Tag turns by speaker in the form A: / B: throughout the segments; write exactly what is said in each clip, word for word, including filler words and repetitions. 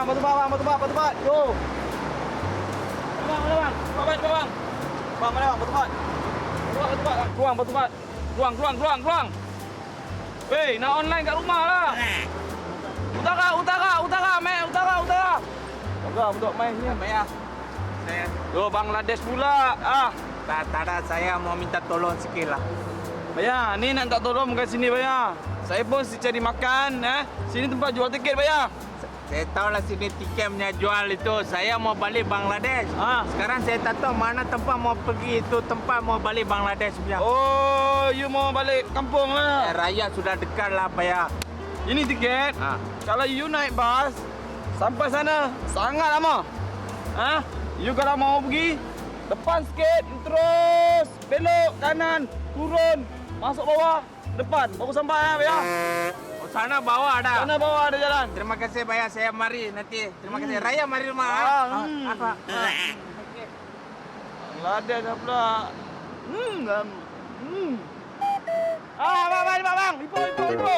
A: batu bang, batu bang, batu bang. Yo. Bang, mana bang? Bang, bang, bang. Bang, mana bang? Batu bang. Batu bang, batu bang. Keluang, batu bang. Keluang, keluang, keluang, keluang. Weh, nak online kat rumah lah. Utara, utara, utara, mai, utara, utara. Utara, untuk mai ni, mai ah.
B: Saya,
A: Yo, Bangladesh pula. Ah.
B: tak, tak ada, saya mau minta tolong sikit lah.
A: Bayar, ni nak tak tolong bukan sini bayar. Saya pun si cari makan, eh. Sini tempat jual tiket bayar.
B: Saya tahu lah sini tiket punya jual itu. Saya mau balik Bangladesh.
A: Ah.
B: Sekarang saya tak tahu mana tempat mau pergi itu. Tempat mau balik Bangladesh punya.
A: Oh, you mau balik kampung
B: Eh,
A: lah.
B: raya sudah dekat lah, Pak ya.
A: Ini tiket.
B: Ah.
A: Kalau you naik bas sampai sana sangat lama. Ah, you kalau mau pergi depan sikit, terus belok kanan, turun, masuk bawah, depan, baru sampai ya, ya.
B: Oh, sana bawah ada.
A: Sana bawah ada jalan.
B: Terima kasih, Pak ya. Saya mari nanti. Terima kasih. Raya mari rumah.
A: Ah,
B: ah.
A: hmm.
B: Ah, apa? Ah.
A: Bangladesh dah pula. Hmm, dan hmm. Ah, bang, bang, bang, bang. Ipo, ipo, ipo.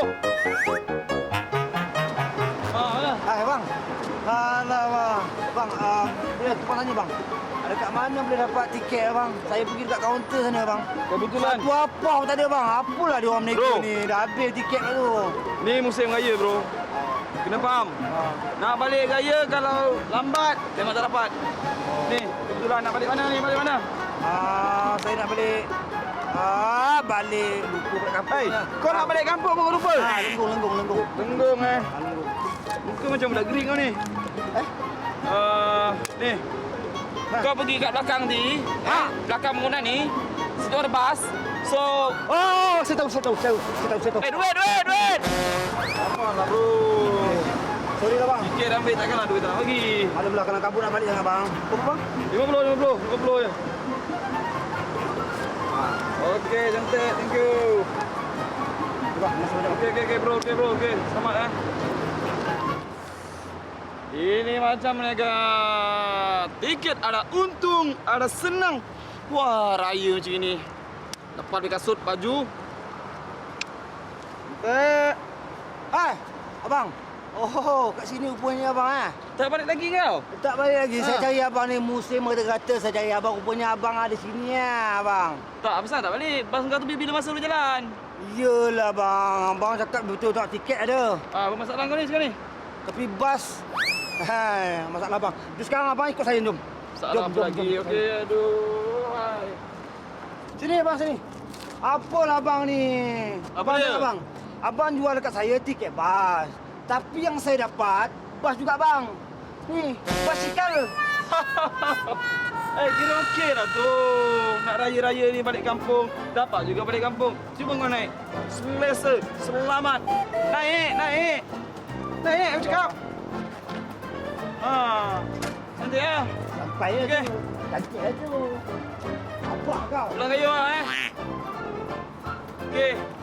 A: Ah, mana?
C: Ah, bang. Alah, bang. Bang, uh, boleh tukang tanya, bang. Ada kat mana boleh dapat tiket, bang? Saya pergi dekat kaunter sana, bang.
A: Kebetulan.
C: Satu apa pun tak ada, bang. Apalah dia orang menega
A: Bro.
C: ni. Dah habis tiket kat tu.
A: Ni musim raya, bro. Kena faham.
C: Ah.
A: Nak balik raya kalau lambat, memang tak dapat. Ni, kebetulan nak balik mana ni? Balik mana?
C: Ah, saya nak balik. Ah, balik. Lupa kat kampung.
A: Hei,
C: lah.
A: kau nak balik kampung pun kau lupa?
C: Ah, lenggung, lenggung, lenggung.
A: Tenggung eh.
C: Ah, lenggung.
A: Muka macam budak gering kau ni.
C: Eh?
A: Uh, ni.
C: Ha?
A: Kau pergi kat belakang ni.
C: Ha?
A: Eh, belakang bangunan ni. Situ ada bas. So,
C: Oh, saya tahu, saya tahu, saya tahu, saya tahu, saya tahu.
A: eh duit, duit, duit. Apa lah bro?
C: Sorry lah, bang.
A: Tiket ambil takkanlah duit tak nak bagi.
C: Malam lah, kena kabur nak balik sangat, bang. Berapa, bang?
A: lima puluh, lima puluh, lima puluh je. Okey, cantik. Thank you.
C: Bang, masuk balik.
A: Okey, okey, okey bro, okey bro, okey. Selamat eh. Ini macam niaga. Tiket ada untung, ada senang. Wah, raya macam ini. Dapat beli kasut, baju.
C: Eh. Hai, abang. Oh, kat sini rupanya abang eh.
A: Tak balik lagi kau?
C: Tak balik lagi.
A: Ha.
C: Saya cari abang ni musim kata-kata saya cari abang. Rupanya abang ada sini ya, abang.
A: Tak, apa tak balik. Bas kau tu bila masa lu jalan.
C: Iyalah bang. Abang cakap betul tak tiket ada.
A: Ah, apa masalah kau ni sekarang ni?
C: Tapi bas. Hai, masalah bang. Jom sekarang abang ikut saya jom.
A: Salah apa lagi? Okey, aduh. Hai.
C: Sini abang sini. Apalah abang ni?
A: Apa
C: abang
A: dia?
C: dengar, Abang. Abang jual dekat saya tiket bas. Tapi yang saya dapat bas juga bang. Ni, basikal.
A: Eh, kira okey lah tu. Nak raya-raya ni balik kampung. Dapat juga balik kampung. Cuba kau naik. Selesa, selamat. Naik, naik. Naik, aku cakap. Ha. Nanti ya.
C: Sampai ya
A: Okey.
C: tu. Cantik lah tu. Apa kau?
A: Pulang kayu lah eh. Okey.